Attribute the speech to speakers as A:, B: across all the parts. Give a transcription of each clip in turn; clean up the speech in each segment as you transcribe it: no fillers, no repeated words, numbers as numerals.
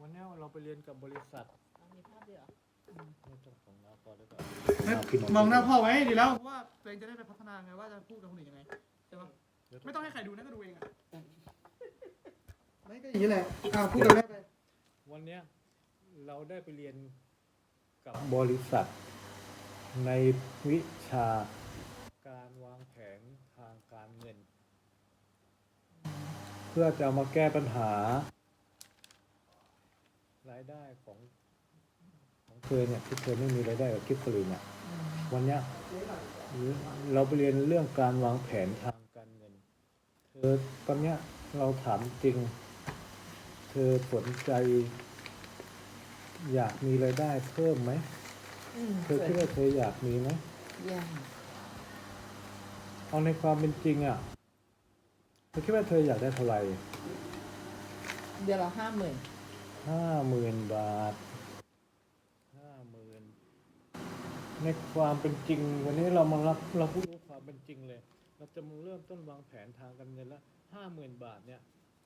A: วันนี้เราไปเรียนกับบริษัท
B: มีภาพด้วยเหรอ
A: ไม่ต้องของเราก่อนได้ก่อน
C: มองหน้าพ่อไว้ดีแล้วเพราะว่าตัวเองจะได้ไปพัฒนาไงว่าจะพูดกับคนอื่นยังไงใช่ปะไม่ต้องให้ใครดูนะก็ดูเองอ่ะไม่ก็อย่างนี้แหละพูดกับแม่ไป
A: วันนี้เราได้ไปเรียนกับบริษัทในวิชาการวางแผนทางการเงิน เพื่อจะมาแก้ปัญหารายได้ของเธอเนี่ยที่เธอไม่มีรายได้กับกิฟต์ฟรีเนี่ยวันนี้เราไปเรียนเรื่องการวางแผนทางการเงินเธอตอนนี้เราถามจริงเธอสนใจอยากมีรายได้เพิ่มไหมเธอคิดว่าเธออยากมีไหมเอาในความเป็นจริงอ่ะเธอคิดว่าเธออยากได้เท่าไหร่
B: เดือนละ50,000
A: 50,000 บาท 50,000ในความเป็นจริงวันนี้เราพูดถึงความเป็นจริงเลยเราจะมาเริ่มต้นวางแผนทางการเงินละ50,000 บาทเนี่ย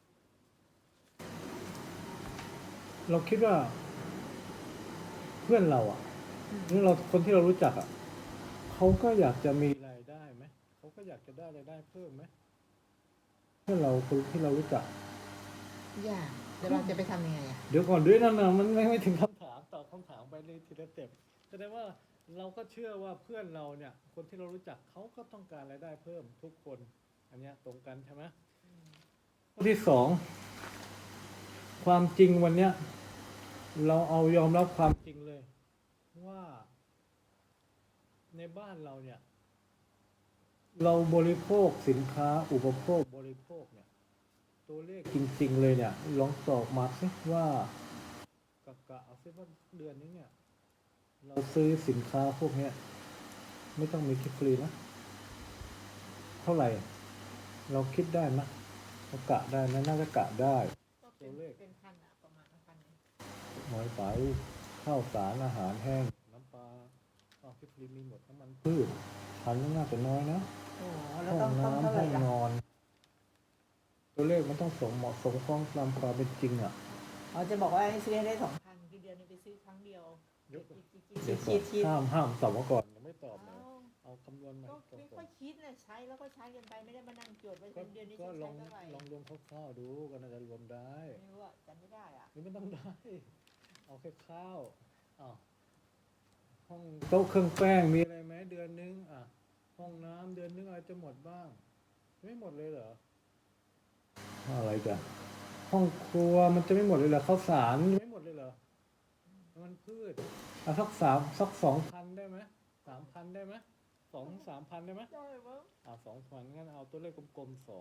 A: เราคิดว่าเพื่อนเราอ่ะหรือเราคนที่เรารู้จักอ่ะเขาก็อยากจะมีรายได้ไหมเขาก็อยากจะได้รายได้เพิ่มไหมเพื่อนเราคนที่เรารู้จัก
B: อยากเดี๋ยวเราจะไปทำยังไงอ่ะ
A: เดี๋ยวก่อนด้วยนะมันไม่ถึงคำถามตอบคำถามไปเลยทีละสเต็ปแสดงว่าเราก็เชื่อว่าเพื่อนเราเนี่ยคนที่เรารู้จักเขาก็ต้องการรายได้เพิ่มทุกคนอันเนี้ยตรงกันใช่ไหมข้อที่สองความจริงวันเนี้ยเราเอายอมรับความจริงเลยว่าในบ้านเราเนี่ยเราบริโภคสินค้าอุปโภคบริโภคเนี่ยตัวเลขจริงๆเลยเนี่ยลองตอบมาสิว่ากะเอาซิว่าเดือนนี้เนี่ยเราซื้อสินค้าพวกเนี้ยไม่ต้องมีคิดฟรีนะเท่าไหร่เราคิดได้ไหมเรากะได้ไหมน่าจะกะได้ตัวเลข
B: เป็นพันอ่ะประมาณ1,000
A: น้อยไปข้าวสารอาหารแห้งน้ำปลาคิดฟรีมีหมดน้ำมันพืชพันน่าจะน้อยนะ
B: แล้ว
A: ห้อง
B: ต้องเท่า
A: น้ำ
B: ไหร่
A: ห้อง
B: ล่ะ
A: นอนตัวเลขมันต้องเหมาะสมตามความเป็นจริงอ่ะ
B: จะบอกว่าให้ซื้อให้ได้2,000คือเดือนนึงไปซื้อครั้งเดียว
A: เดี๋ยวก่อน
B: คิด
A: ห้ามตอบมาก่อนยังไม่ตอบเลยเอาคำนวณใหม่
B: ก็ไม่ค่อยคิดนะใช้แล้วก็ใช้กันไปไม่ได้มานั่งจดไว้เดือนนี้
A: ก็
B: ฉัน
A: ล
B: ใช้
A: อง
B: เท่าไหร่
A: รวมคร่าวๆดูก็น่าจะรวมได้
B: ไม่รู้อ่ะจำไม่ได้อ่ะ
A: หรือไม่ต้องได้เอาแค่ข้าวห้องโต๊ะเครื่องแป้งมีอะไรไหมเดือนนึงห้องน้ำเดือนนึงอะไรจะหมดบ้างไม่หมดเลยเหรออะไรกันห้องครัวมันจะไม่หมดเลยเหรอข้าวสารไม่หมดเลยเหรอมันพืชสัก2,000ได้ไหม3,000ได้ไหม2-3,000ได้ไหม
B: ได้มั้ง
A: 2,000งั้นเอาตัวเลขกลมๆ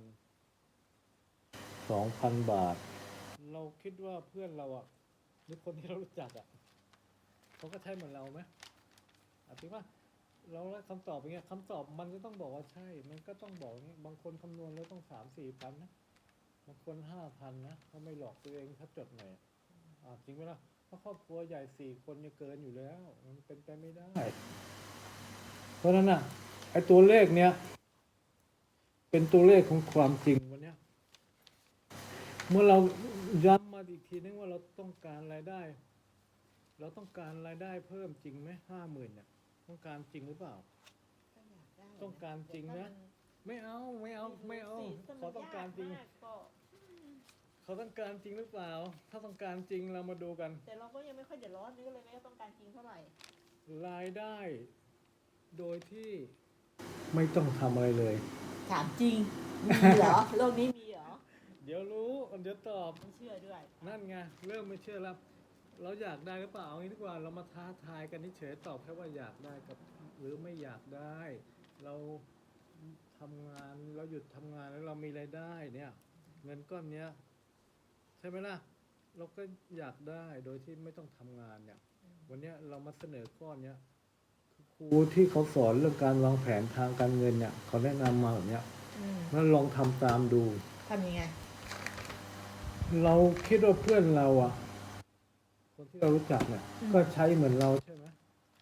A: 2,000 บาทเราคิดว่าเพื่อนเราอ่ะหรือคนที่เรารู้จักอ่ะเขาก็ใช้เหมือนเราไหมจริงป่ะเราได้คำตอบอย่างเงี้ยคำตอบมันก็ต้องบอกว่าใช่มันก็ต้องบอกอย่างเงี้ยบางคนคำนวณแล้วต้อง3-4 พันนะบางคน5,000นะเขาไม่หลอกตัวเองถ้าจดหน่อยจริงไหมล่ะเพราะครอบครัวใหญ่4 คนเนี่ยเกินอยู่แล้วมันเป็นไปไม่ได้เพราะฉะนั้นอ่ะไอ้ตัวเลขเนี้ยเป็นตัวเลขของความจริงวันเนี้ยเมื่อเราย้ำมาอีกทีนึงว่าเราต้องการรายได้เราต้องการรายได้เพิ่มจริงไหม50,000เนี่ยต้องการจริงหรือเปล่าต้องการจริงนะไม่เอาเขาต้องการจริงเขาต้องการจริงหรือเปล่าถ้าต้องการจริงเรามาดูกัน
B: แต่เราก็ยังไม่ค่อยเดือดร้อนนี่ก็เลยไม่ต้องการจริงเท่าไหร่
A: รายได้โดยที่ไม่ต้องทำอะไรเลย
B: ถามจริงมีเหรอโลกนี้มีเหรอ
A: เดี๋ยวรู้เดี๋ยวตอบ
B: ไม่เชื่อด้วย
A: นั่นไงเริ่มไม่เชื่อแล้วเราอยากได้หรือเปล่าเอางี้ดีกว่าเรามาท้าทายกันเฉยๆตอบแค่ว่าอยากได้กับหรือไม่อยากได้เราทำงานเราหยุดทำงานแล้วเรามีรายได้เนี่ยเงินก้อนเนี้ยใช่ไหมล่ะเราก็อยากได้โดยที่ไม่ต้องทำงานเนี่ยวันนี้เรามาเสนอข้อเนี้ยครูที่เขาสอนเรื่องการวางแผนทางการเงินเนี่ยเขาแนะนำมาแบบเนี้ยแล้วลองทำตามดู
B: ทำยังไง
A: เราคิดว่าเพื่อนเราอ่ะคนที่เรารู้จักเนี่ยก็ใช้เหมือนเราใช่ไหม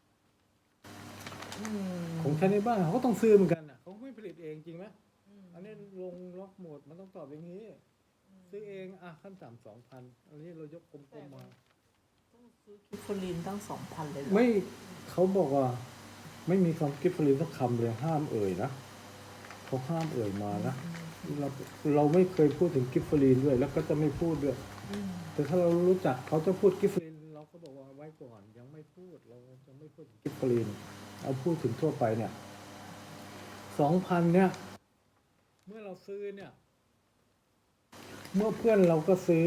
A: ของใช้ในบ้านเขาก็ต้องซื้อเหมือนกันอ่ะเขาไม่ผลิตเองจริงไหมอันนี้ลงล็อกโหมดมันต้องตอบอย่างนี้ซื้อเองอ่ะขั้นต่ำ2,000อันนี้เรายกกลมๆมา
B: ต้องซื้อกิฟฟลินตั้ง2,000เลยเหรอ
A: ไม่เขาบอกว่า ไม่มีคำกิฟต์ฟรีสักคำเลยห้ามเอ่ยนะเขาห้ามเอ่ยมานะเราไม่เคยพูดถึงกิฟต์ฟรีด้วย แล้วก็จะไม่พูดด้วย
B: อืม
A: แต่ถ้าเรารู้จักเขาจะพูดกิฟต์ฟรีเราก็บอกว่าไว้ก่อนยังไม่พูดเราจะไม่พูดถึงกิฟต์ฟรีเอาพูดถึงทั่วไปเนี่ย2,000เนี่ย เมื่อเราซื้อเนี่ย เมื่อเพื่อนเราก็ซื้อ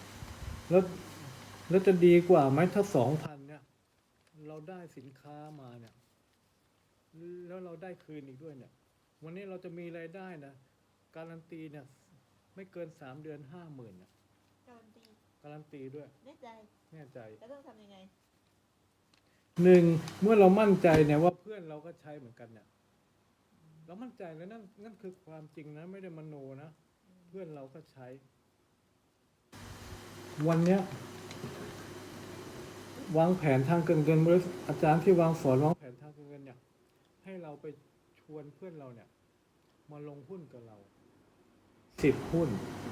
A: แล้วจะดีกว่าไหมถ้า2,000เนี่ย เราได้สินค้ามาเนี่ย แล้วเราได้คืนอีกด้วยเนี่ย วันนี้เราจะมีรายได้นะการันตีเนี่ย ไม่เกิน3 เดือน 50,000เนี่ย
B: การันตี
A: การันตีด้วย
B: แน่ใจ
A: แน่ใจ
B: แล้วต้องทำยังไง
A: 1เมื่อเรามั่นใจเนี่ยว่าเพื่อนเราก็ใช้เหมือนกันเนี่ยเรามั่นใจแล้วนั่นคือความจริงนะไม่ได้มโนนะเพื่อนเราก็ใช้ วันเนี้ยวางแผนทางการเงินบริษัทอาจารย์ที่สอนวางแผนทางการเงินเนี่ย ให้เราไปชวนเพื่อนเราเนี่ย มาลงหุ้นกับเรา10 หุ้น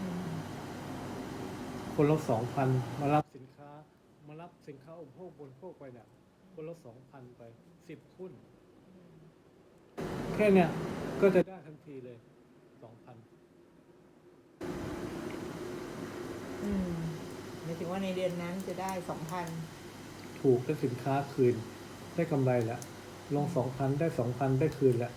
A: คนละ2,000มารับสินค้าอุปโภคบริโภคไปเนี่ยคนละ2,000ไป10 หุ้น แค่เนี่ยก็จะได้ทันทีเลย 2,000
B: หมายถึงว่าในเดือนนั้นจะได้ 2,000
A: ถูกได้สินค้าคืนได้กำไรแล้วลง 2,000 ได้ 2,000 ได้คืนแล้ว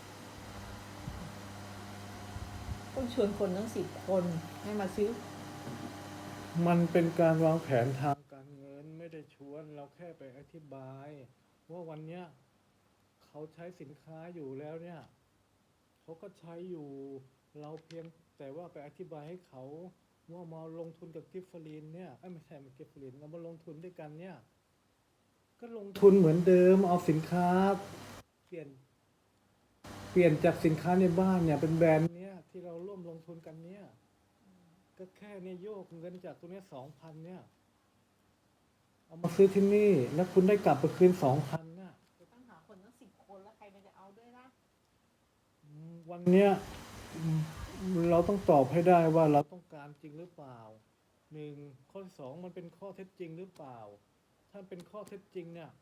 B: ต้องชวนคนทั้ง10 คนให้มาซื้อ
A: มันเป็นการวางแผนทางการเงินไม่ได้ชวนเราแค่ไปอธิบาย ว่าวันเนี้ยเขาใช้สินค้าอยู่แล้วเนี่ยเขาก็ใช้อยู่เราเพียงแต่ว่าไปอธิบายให้เขาว่ามาลงทุนกับกิฟฟรีนเนี่ยไม่ใช่มันกิฟฟรีนเรามาลงทุนด้วยกันเนี่ยก็ลงทุนเหมือนเดิมเอาสินค้าเปลี่ยนจากสินค้าในบ้านเนี่ยเป็นแบรนด์เนี้ยที่เราร่วมลงทุนกันเนี่ยก็แค่เนี่ยโยกเงินจากตรงเนี้ย 2,000 เนี่ยเอามาซื้อที่นี่แล้วคุณได้กลับไปคืน 2,000 เนี่ย
B: จะต้องหาคนทั้ง10 คนแล้วใครมันจะเอาด้วยล่ะ
A: วันเนี้ยเราต้องตอบให้ได้ว่าเราต้องการจริงหรือเปล่า1ข้อที่2มันเป็นข้อเท็จจริงหรือเปล่าถ้าเป็นข้อเท็จจริงเนี่ย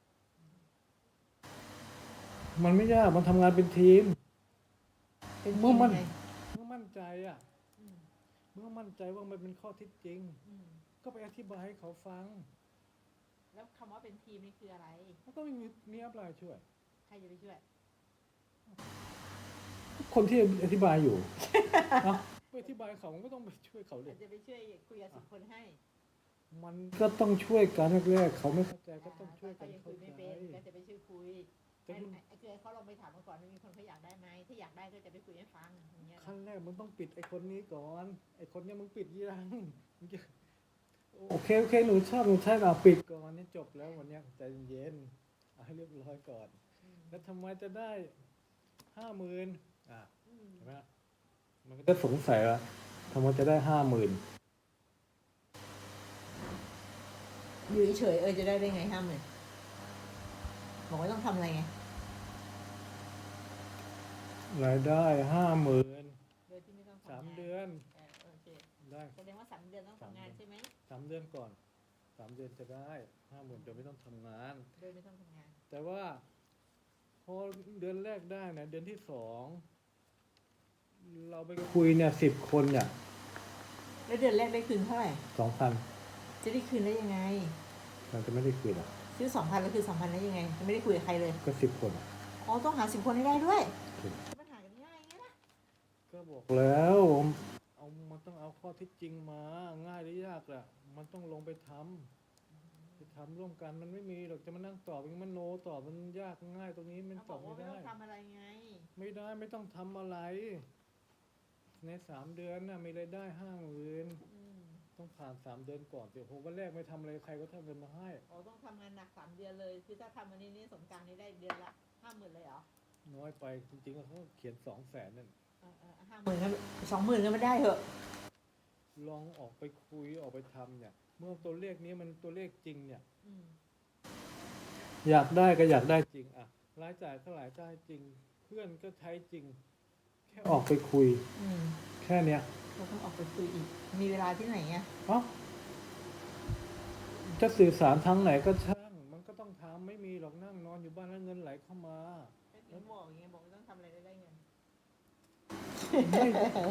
A: มันไม่ยากมันทำงานเป็นทีม
B: เป็น
A: เมื่อมัน
B: ยังไง
A: เมื่อมั่นใจอ่ะ
B: อืม
A: เมื่อมั่นใจว่ามันเป็นข้อเท็จจริง
B: อืม
A: ก็ไปอธิบายให้เขาฟัง
B: แล้วคำว่าเป็นทีมนี่คืออะไร
A: แล้วก็มีอัพไลน์ช่วย
B: ใครจะไปช่วย
A: คนที่อธิบายอยู่ เอ้าไปอธิบายเขามันก็ต้องไปช่วยเขาเล
B: อาย จจะไปช่วยคุยกับ10 คนให้
A: มันก็ต้องช่วยกันแรกๆเขาไม่เข้าใจก็ต้องช่วยกัน
B: ยัง
A: เข้า
B: คุย
A: ใจ
B: ไม่เป็นก็จะไปช่วยคุย
A: แต่คุณ
B: คือเขาลองไปถามมาก่อนว่ามีคนเขาอยากได้ไหมถ้าอยากได้ก็จะไปคุยให้ฟังอย่างเงี้ย
A: ขั้นแรกมึงต้องปิดไอ้คนนี้ก่อนไอ้คนเนี้ยมึงปิดยังมึงจะโอเคหนูชอบหนูใช้เราปิดก่อนเนี่ยจบแล้ววันเนี้ยใจเย็นเอาให้เรียบร้อยก่อน แล้วทำไมจะได้ 50,000เห็นไหมมันก็จะสงสัยว่าทำไมจะได้ 50,000
B: อยู่เฉยๆจะได้ไง50,000บอกว่าต้องทำอะไรไง
A: รายได้ 50,000
B: โดยที่ไม่ต้องทำงาน
A: 3 เดือน
B: โอเค
A: ได้
B: แสดงว่า3 เดือนต้องทำงานใช่ไหม
A: 3 เดือนก่อน 3 เดือนจะได้ 50,000โดยไม่ต้องทำงาน
B: โดยไม่ต้องทำงาน
A: แต่ว่าพอเดือนแรกได้นะเดือนที่ 2เราไปคุยเนี่ย10 คนเนี่ย
B: แล้วเดือนแรกได้คืนเท่าไหร่
A: 2,000
B: จะได้คืนได้ยังไง
A: เราจะไม่ได้คืนอ่ะ
B: ซื้อ 2,000แล้วคือ2,000ได้ยังไงไม่ได้คุยกับใครเลย
A: ก็10 คนอะ
B: อ๋อต้องหา10 คนให้ได้ด้วย
A: ถูก
B: มันหากันง่ายไงล่ะ
A: ก็บอกแล้วมันต้องเอาข้อเท็จจริงมาง่ายหรือยากล่ะมันต้องลงไปทำร่วมกันมันไม่มีหรอกจะมานั่งตอบมันโนตอบมันยากง่ายตรงนี้มัน
B: เขา
A: ต
B: บ
A: อ
B: อบ กว่า
A: ไม่
B: ไม่
A: ได้
B: ต้องทำอะไรไง
A: ไม่ต้องทำอะไร ใน3 เดือนน่ะมีรายได้ 50,000 ต้องผ่าน 3 เดือนก่อนเดี๋ยวผมวันแรกไม่ทำอะไรใครก็ทำเงินมาให้
B: อ๋อต้องทำงานหนัก3 เดือนเลย คือถ้าทำวันนี้สงกรานต์นี้ได้เดือนละ 50,000เลยเหรอ
A: น้อยไปจริงๆเขาเขียน 200,000นั่น
B: 50,000ก็20,000ก็ไม่ได้เหอะ
A: ลองออกไปคุยออกไปทำเนี่ย เมื่อตัวเลขนี้มันตัวเลขจริงเนี่ย อยากได้ก็อยากได้จริงอะรายจ่ายก็รายจ่ายจริง เพื่อนก็ใช้จริง แค่ค่ออกไปคุย
B: อืม
A: แค่เนี้ย
B: เราต้องออกไปคุยอีก มีเวลาที่ไหนอ่ะ
A: เอ้าจะสื่อสารทางไหนก็ช่าง มันก็ต้องทำไม่มีหรอกนั่งนอนอยู่บ้านแล้วเงินไหลเข้ามา
B: แล้วบอกอย่างเงี้ยบอกไม่ต้องทำอะไรได้เงิน
A: ไม่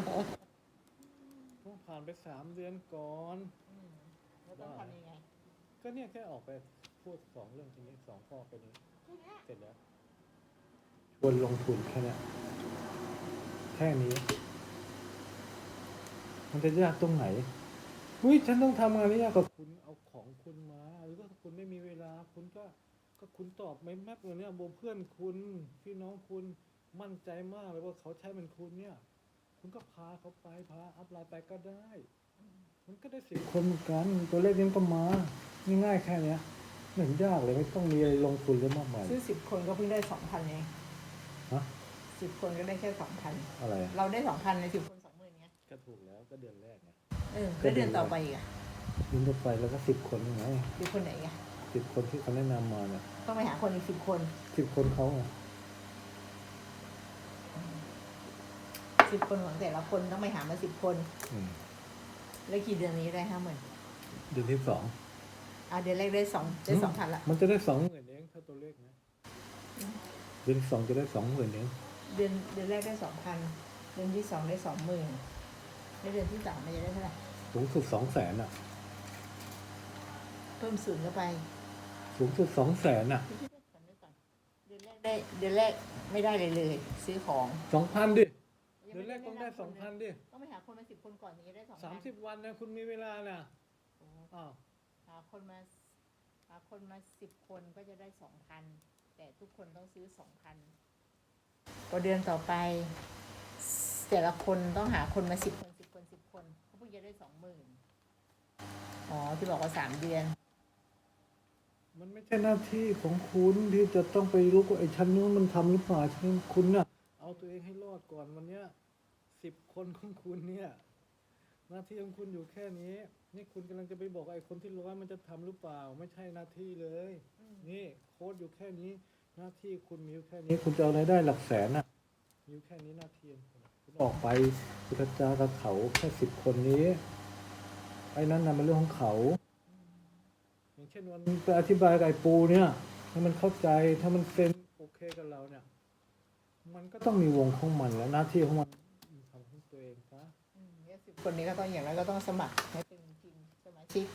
A: ต้องผ่านไป3 เดือนก่อน
B: แล้วต้องทำยังไง
A: ก็เนี่ยแค่ออกไปพูด2 เรื่องทีนี้2 ข้อไปนี้
B: แค่เนี้ย
A: เสร็จแล้วชวนลงทุนแค่เนี้ยแค่นี้ มันจะยากตรงไหนอุ้ยฉันต้องทำงานนี้ยากกว่าคุณเอาของคุณมา หรือว่าถ้าคุณไม่มีเวลา คุณก็คุณตอบไม่แม็กเลยเนี่ยโบเพื่อนคุณพี่น้องคุณมั่นใจมากเลยว่าเขาใช้เป็นคุณเนี่ย คุณก็พาเขาไปพาอัพไลน์ไปก็ได้ มันก็ได้10 คนเหมือนกันตัวเลขนี้ก็มาง่ายๆแค่เนี้ยไม่เห็นยากเลยไม่ต้องมีอะไรลงทุนเลยมากมาย
B: ซื้อ10 คนก็เพิ่งได้2,000เอง
A: ฮะ
B: 10 คนก็ได้แค่2,000
A: อะไรอะ
B: เราได้2,000ใน10 คน20,000ไง
A: ก็ถูกแล้วก็เดือนแรกไง
B: แล้วเดือนต่อไปอีกอ่ะ
A: ยินจะไปแล้วก็10 คนยังไง
B: 10 คนไหนอ่ะ
A: 10 คนที่เขาแนะนำมาเนี่ย
B: ต้องไปหาคนอีก10 คน
A: 10 คนเขาไง
B: 10 คนของแต่ละคนต้องไปหามา10 คน
A: อืม
B: แล้วกี่เดือนนี้ได้50,000
A: เดือนที่
B: เดือนแรกได้2,000ละ
A: 2มันจะได้20,000เองถ้าตัวเลขนะเดือนที่ 2จะได้20,000เอง
B: เดือนแรกได้2,000 เดือนที่2ได้20,000แล้วเดือนที่3มันจะได้เท่าไหร่
A: สูงสุด200,000อ่ะ
B: เพิ่มศูนย์เข้าไป
A: สูงสุด200,000อ่ะ
B: เดือนแรกไม่ได้เลยซื้อของ
A: 2,000ดิเดือนแรกต้องได้2,000ดิ
B: ต้องไปหาคนมา10 คนก่อนถึงจะได้2,000
A: 30 วันนะคุณมีเวลาน่ะอ้าว
B: หาคนมา10 คนก็จะได้2,000แต่ทุกคนต้องซื้อ2,000พอเดือนต่อไป แต่ละคนต้องหาคนมา10 คน10 คน10 คนเขาเพิ่งจะได้20,000อ๋อที่บอกว่า3 เดือน
A: มันไม่ใช่หน้าที่ของคุณที่จะต้องไปรู้ว่าไอ้ชั้นนู้นมันทำหรือเปล่าชั้นนี้คุณน่ะเอาตัวเองให้รอดก่อนวันเนี้ย10 คนของคุณเนี่ยหน้าที่ของคุณอยู่แค่นี้นี่คุณกำลังจะไปบอกไอ้คนที่100มันจะทำหรือเปล่าไม่ใช่หน้าที่เลยนี่โค้ดอยู่แค่นี้หน้าที่คุณมีอยู่แค่นี้คุณจะเอารายได้หลักแสนน่ะมีอยู่แค่นี้หน้าที่คุณออกไปคุณกระจายกับเขาแค่10 คนนี้ไอ้นั้นน่ะเป็นเรื่องของเขาอย่างเช่นวันไปอธิบายกับไอ้ปูเนี่ยให้มันเข้าใจถ้ามันเซ็นโอเคกับเราเนี่ยมันก็ต้องมีวงของมันแล้วหน้าที่ของมันทำของตัวเองซะ
B: 10 คนนี้ก็ต้องอย่างไรก็ต้องสมัครให้เป็นทีมสมาชิก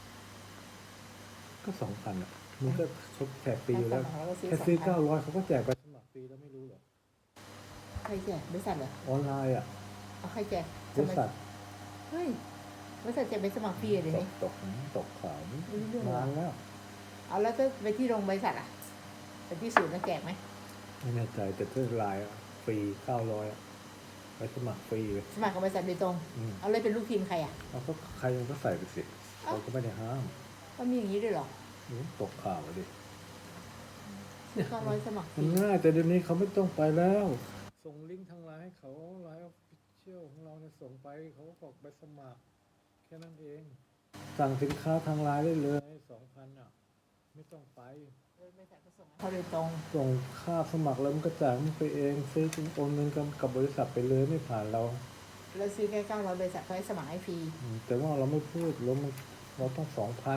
A: ก็2,000อ่ะมันก็เขาแจกฟรีอยู่แล้ว
B: สมัครแล้วก็ซื้อ
A: แค่ซื้อ
B: 2,000
A: 900เขาก็แจกไปสมัครฟรีแล้วไม่รู้เหรอ
B: ใครแจกบริษัทเหรอ
A: ออนไลน์อ่ะ
B: เอาใครแจก
A: บริษัท
B: เฮ้ยบริษัทแจกไปสมัครฟรีเลย
A: ต
B: นี่
A: กตกข่าว
B: ไม่รู้เรื่องเหรอ
A: นานแล้ว
B: เอาแล้วจะไปที่โรงบริษัทอ่ะไปที่ศูนย์แล้วแจกไหม
A: ไม่แน่ใจแต่ถ้าไลน์อะฟรี900อะไปสมัครฟรีเลย
B: สมัครกับบริษัทโดยตรง
A: อืม
B: เอาเลยเป็นลูกทีมใครอ่ะ
A: เอาก็ใครมันก็ใส่ไปสิเขาก็ไม่ได้ห้าม
B: ก็มีอย่างนี้ด้วยเหรอ
A: ตกข่าวอะดิ
B: ซื้อ900สมัครฟ
A: มัน
B: รี
A: ง่ายแต่เดี๋ยวนี้เขาไม่ต้องไปแล้ว ส่งลิงก์ทางไลน์ให้เขาไลน์ออฟฟิเชียลของเราเนี่ยส่งไปเขาก็บอกไปสมัคร แค่นั้นเอง สั่งสินค้าทางไลน์ได้เลย2,000อ่ะไม่ต้องไป
B: บริษัทก็ส่งให้เขาโดยตรง
A: ส่งค่าสมัครแล้วมันก็จ่ายมันไปเองซื้อโอนเงินกับบริษัทไปเลยไม่ผ่านเรา
B: แล้วซื้อแค่900บริษัทเขาให้สมัครให้ฟรี
A: แต่ว่าเราไม่พูดเราต้อง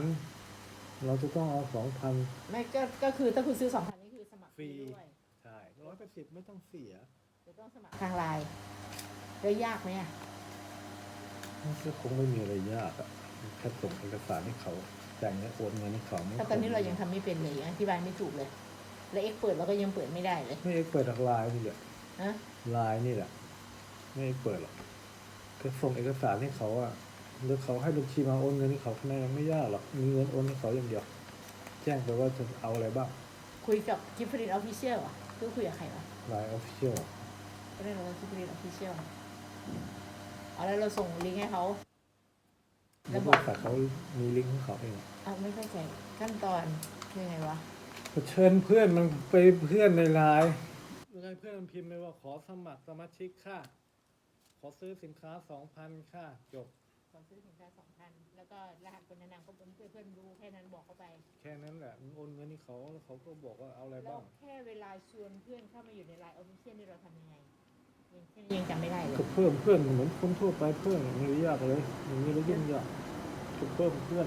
A: 2,000เราจะต้องเอา2,000
B: ไม่ก็คือถ้าคุณซื้อ2,000นี่คือสมัครฟรี
A: ฟรี
B: ด้วย
A: ใช่180ไม่ต้องเสีย
B: จะต้องสมัครทางไลน์แล้วยากไหมอ่ะ
A: มันก็คงไม่มีอะไรยากอะแค่ส่งเอกสารให้เขาจ่ายเงินโอนเงินให้เขาไม่
B: แต่ตอนนี้เรายังทำไม่เป็นเลยอธิบายไม่ถูกเลย แล้วเอ็กเปิดเราก็ยังเปิดไม่ได้เลย
A: ไม่เอกเปิดทางไลน์นี่แหละ
B: ฮะ
A: ไลน์นี่แหละไม่เอกเปิดหรอกก็ส่งเอกสารให้เขาอะหรือเขาให้บัญชีมาโอนเงินให้เขาแค่นั้นยังไม่ยากหรอกมีเงินโอนให้เขาอย่างเดียวแจ้งไปว่าจะเอาอะไรบ้าง
B: คุยกับกิฟฟรีนออฟฟิเชียลอ่ะคือคุยกับใครวะ
A: ไลน์ออฟฟิเชียล
B: ก็ได้เรากิฟฟรีนออฟฟิเชียลเอาแล้วเราส่งลิงก์ให้เขา
A: แล้วบริษัทเขามีลิงก์ของเขาเอง
B: เอาไม่เข้าใจขั้นตอนคือไงวะ
A: ก็เชิญเพื่อนมันไปเพื่อนในไลน์ให้เพื่อนมันพิมพ์ไปว่าขอสมัครสมาชิกค่ะ ขอซื้อสินค้า 2,000 ค่ะ จบ
B: ขอซื้อสินค้า2,000แล้วก็รหัสคนแนะนำก็เพื่อนดูแค่นั้นบอกเข้าไป
A: แค่นั้นแหละมันโอนเงินให้เขาแล้วเขาก็บอกว่าเอาอะไร
B: แล้ว
A: บ้าง
B: แค่เวลาชวนเพื่อนเข้ามาอยู่ในไลน์ออฟฟิเชียลนี่เราทำยังไงยังจำไม่ได้เลย
A: ก็เพิ่มเพื่อนเหมือนคนทั่วไปเพื่อนไม่ได้ยากเลยอย่างนี้แล้วยิ่งยากก็เพิ่มเพื่อน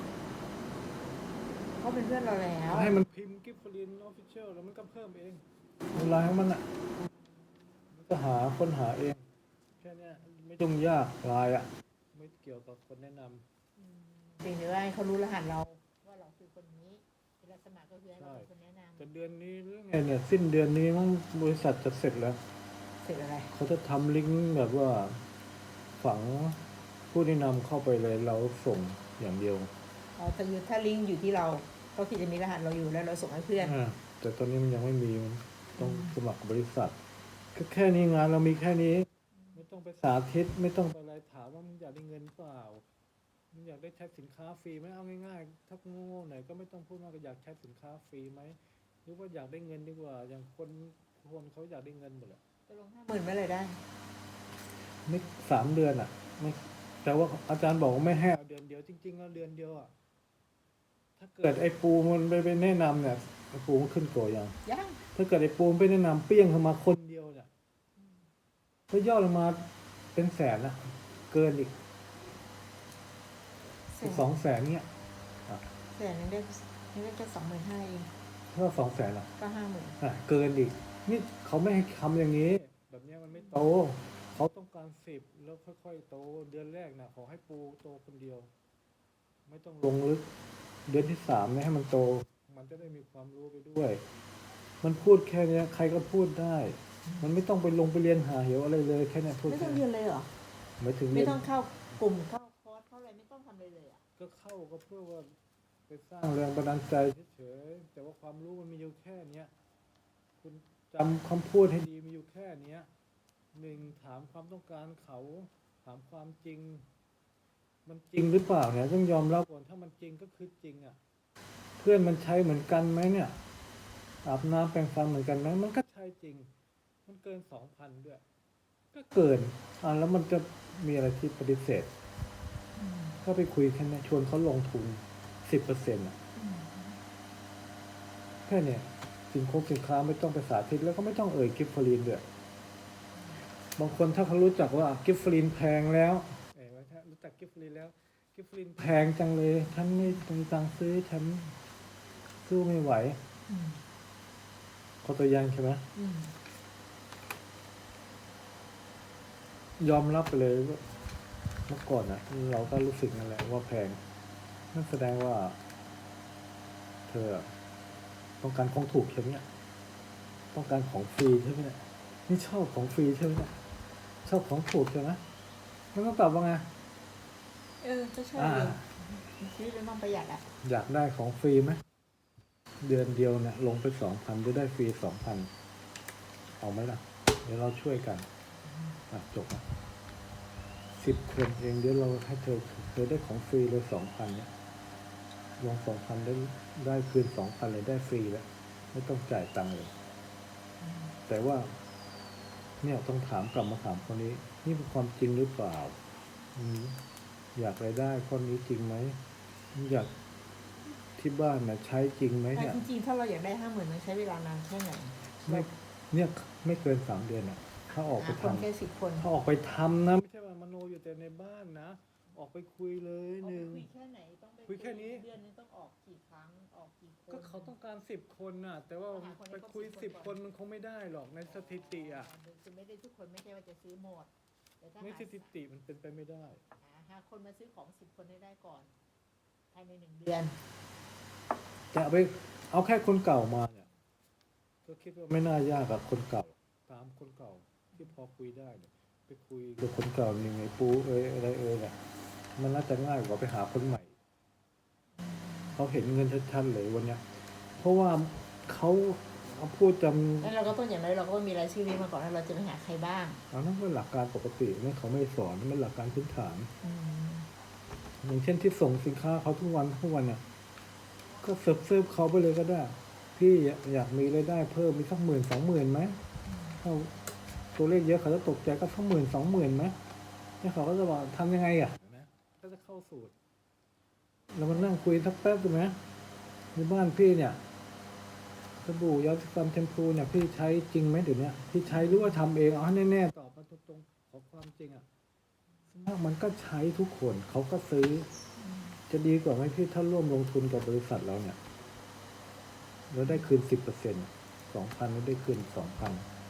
B: เขาเป็นเพื่อนเราแล้ว
A: ให้มันพิมพ์กิฟต์ฟลินออฟฟิเชียลแล้วมันก็เพิ่มเองเวลาของมันอ่ะมันก็ค้นหาเองแค่เนี้ยไม่ต้องยากลายอ่ะไม่เกี่ยวกับคนแนะนำ
B: เพียงแต่ว่าให้เขารู้รหัสเราว่าเราคือคนนี้เวลาสมัครก็คือให้เราเป็นคนแนะนำ
A: แต่เดือนนี้หรือไงเนี่ยสิ้นเดือนนี้มั้งบริษัทจะเสร็จแล้ว
B: เสร็จอะไร
A: เขาจะทำลิงก์แบบว่าฝังผู้แนะนำเข้าไปเลยเราส่งอย่างเดียว
B: อ๋อถ้าลิงก์อยู่ที่เราก็คือจะมีรหัสเราอยู่แล้วเราส่งให้เพื่อน
A: แต่ตอนนี้มันยังไม่มีมันต้องสมัครบริษัทก็แค่นี้งานเรามีแค่นี้ ไม่ต้องไปสาธิตไม่ต้องไปอะไรถามว่ามึงอยากได้เงินเปล่ามึงอยากได้ใช้สินค้าฟรีไหมเอาง่ายๆถ้าโง่ๆหน่อยก็ไม่ต้องพูดมากก็อยากใช้สินค้าฟรีไหมหรือว่าอยากได้เงินดีกว่า อย่างคนเขาอยากได้เงินหมดแหละ
B: จะลง50,000เมื่อไหร่ได้
A: ไม่3 เดือนอ่ะไม่แต่ว่าอาจารย์บอกว่าไม่ให้เอาเดือนเดียวจริงๆแล้วเดือนเดียวอ่ะถ้าเกิดไอ้ปูมันไปแนะนำเนี่ยไอ้ปูมันขึ้นตัวยัง
B: ยัง
A: ถ้าเกิดไอ้ปูมันไปแนะนำเปี้ยงเข้ามาคนเดียวเนี่ยก็ยอดลงมาเป็นแสนนะเกินอีก 200,000เนี่ย
B: แสนนึงได้แค่25,000เอง
A: ถ้า200,000อ่ะ
B: ก็50,000
A: เกินอีกนี่เขาไม่ให้ทำอย่างนี้ แบบเนี้ยมันไม่โตเขาต้องการ10แล้วค่อยๆโตเดือนแรกนะขอให้ปูโตคนเดียว ไม่ต้องลงลึกเดือนที่3เนี่ยให้มันโต มันจะได้มีความรู้ไปด้วย มันพูดแค่เนี้ยใครก็พูดได้ มันไม่ต้องไปลงไปเรียนหาเหวอะไรเลยแค่เนี้ยพูด
B: ไม่ต้
A: แค่
B: องเรียนเลยเหรอ
A: ไม่ถึง
B: ไม่
A: เรียน
B: ต้องเข้ากลุ่มเข้าคอร์สเข้าอะไรไม่ต้องทำเลยเลยอ่ะ
A: ก็เข้าก็เพื่อว่าไปสร้างแรงบันดาลใจเฉยๆแต่ว่าความรู้มันมีอยู่แค่เนี้ยคุณจำคำพูดให้ดีมีอยู่แค่เนี้ย1ถามความต้องการเขาถามความจริง มันจริงหรือเปล่าเนี่ยต้องยอมรับก่อนถ้ามันจริงก็คือจริงอ่ะเพื่อนมันใช้เหมือนกันไหมเนี่ยอาบน้ำแปรงฟันเหมือนกันไหมมันก็ใช้จริง มันเกิน 2,000 ด้วย ก็เกินแล้วมันจะมีอะไรที่ปฏิเสธก็ไปคุยแค่นี้ชวนเขาลงทุน 10%อ่ะแค่เนี้ยสินค้าไม่ต้องไปสาธิตแล้วก็ไม่ต้องเอ่ยกิฟต์ฟลินด้วยบางคนถ้าเขารู้จักว่ากิฟต์ฟลินแพงแล้วถ้ารู้จักกิฟต์ฟลินแล้วกิฟต์ฟลินแพงจังเลยฉันไม่มีตังค์ซื้อฉันสู้ไม่ไหวเขาตัวอย่างใช่ไหมยอมรับไปเลยว่าเมื่อก่อนอ่ะเราก็รู้สึกนั่นแหละว่าแพงนั่นแสดงว่า เธอต้องการของถูกใช่ไหมเนี่ยต้องการของฟรีใช่ไหมเนี่ยนี่ชอบของฟรีใช่ไหมเนี่ยชอบของถูกใช่ไหมมันต้องตอบว่าไง
B: ก็ใช่เลยชีวิตมันต้องประหยัดอ่ะ
A: อยากได้ของฟรีไหมเดือนเดียวเนี่ยลงไป 2,000 จะได้ฟรี 2,000 เอาไหมล่ะเดี๋ยวเราช่วยกันจบนะ10 คนเองเดี๋ยวเราให้เธอได้ของฟรีเลย 2,000 เนี่ยลง 2,000 ได้คืน 2,000 เลยได้ฟรีแล้วไม่ต้องจ่ายตังค์เลยแต่ว่าเนี่ยต้องกลับมาถามคนนี้นี่เป็นความจริงหรือเปล่าอยากรายได้ข้อนี้จริงไหมอยากที่บ้านนะใช้จริงไหม
B: แต่
A: เนี่ย
B: จริงๆถ้าเราอยากได้50,000มันใช้เวลานานแค่ไหน
A: เนี่ยไม่เกิน3 เดือนอ่ะถ้าออกไป
B: คน
A: ทำ
B: แค่10 คน
A: ถ้าออกไปทำนะไม่ใช่ว่ามโนอยู่แต่ในบ้านนะออกไปคุยเลยหนึ่ง
B: คุยแค่ไหนต้องไป
A: คุยแค่นี้
B: เดือนนึงต้องออกกี่ครั้งออกกี่คน
A: ก็เขาต้องการ10 คนน่ะ แต่ว่า
B: หาคนให้
A: ไป
B: ครบ
A: คุย
B: 10
A: 10 คนมันคงไม่ได้หรอกในสถิติอ่ะ
B: คือไม่ได้ทุกคนไม่ใช่ว่าจะซื้อหมดแต่ถ้า
A: ในสถิติมันเป็นไปไม่ได้
B: หาคนมาซื้อของ10 คนให้ได้ก่อนภายใน1 เดือน
A: แต่เอาแค่คนเก่ามาเนี่ยก็คิดว่าไม่น่ายากกับคนเก่าตามคนเก่าที่พอคุยได้เนี่ยไปคุยกับคนเก่ายังไงปูอะไรเนี่ยมันน่าจะง่ายกว่าไปหาคนใหม่เขาเห็นเงินชัดๆเลยวันเนี้ยเพราะว่าเขาพูดจำ
B: แล้วเราก็ต้องอย่างไรเราก็มีรายชื่อนี้มาก่อนแล้วเราจะไปหาใครบ้าง
A: นั่นเป็นหลักการปกติเนี่ยเขาไม่สอนมันหลักการพื้นฐานอย่างเช่นที่ส่งสินค้าเขาทุกวันเนี่ยก็เซิร์ฟเขาไปเลยก็ได้พี่อยากมีรายได้เพิ่มมีสัก10,000-20,000ไหมเขาตัวเลขเยอะเขาจะตกใจก็สัก10,000-20,000ไหมแล้วเขาก็จะบอกทำยังไงอ่ะก็จะเข้าสูตรแล้วมันนั่งคุยสักแป๊บใช่ไหมในบ้านพี่เนี่ยสบู่ยาสีฟันแชมพูเนี่ยพี่ใช้จริงไหมเดี๋ยวนี้พี่ใช้หรือว่าทำเองเอาให้แน่ๆก่อนตรงๆขอความจริงอ่ะสมากมันก็ใช้ทุกคนเขาก็ซื้อ จะดีกว่าไหมพี่ถ้าร่วมลงทุนกับบริษัทเราเนี่ยแล้วได้คืน10%2,000แล้วได้คืน2,000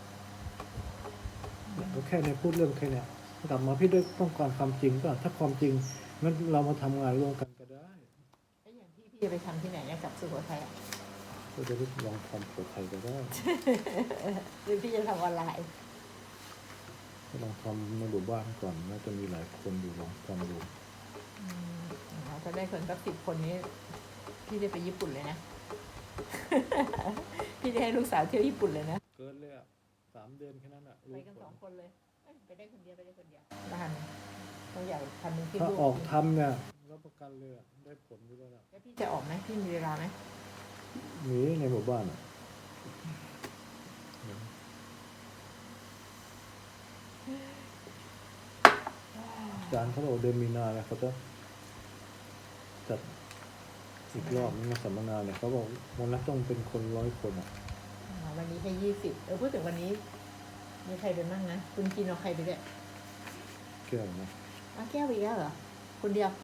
A: เนี่ยก็แค่เนี่ยพูดเรื่องแค่เนี้ยกลับมาพี่ด้วยต้องการความจริงก็ถ้าความจริงงั้นเรามาทำงานร่วมกันก็ได้
B: แล้วอย่างพี่จะไปทำที่ไหนเนี่ยกับสุโขทัยอ่ะ
A: ก็จะได้ลองทำตัวไทยก็ได้
B: หรือพี่จะทำออนไลน์
A: ก็ลองทำในหมู่บ้านก่อนน่าจะมีหลายคนอยู่ลองทำดู
B: ถ้าได้คนสัก10 คนนี้ พี่ได้ไปญี่ปุ่นเลยนะ พี่ได้ให้ลูกสาวเที่ยวญี่ปุ่นเลยนะ
A: เกินเลยอ่ะ3 เดือนแค่นั้นอ่ะ
B: ไปกัน2 คนเลยเอ้ยไปได้คนเดียวบ้านต้องอยากทำเป็นคลิป
A: ถ้า
B: ลูก
A: ออกทำเนี่ยรับประกันเลยอะได้ผลอยู่แล้วนะ
B: แล้วพี่จะออกไหมพี่มีเวลาไหม
A: มีในหมู่บ้านอ่ะอาจารย์เขาบอกเดือนมีนาเนี่ยเขาจะจัดอีกรอบนึงนะสัมมนาเนี่ยเขาบอกวันละต้องเป็นคน100 คนอ่ะ
B: วันนี้แค่20พูดถึงวันนี้ มีใครไปมั่งนะคุณกินเอาใครไปด้วย
A: เกี่ยวนะ
B: แก้วอีกแล้วเหรอคนเดียว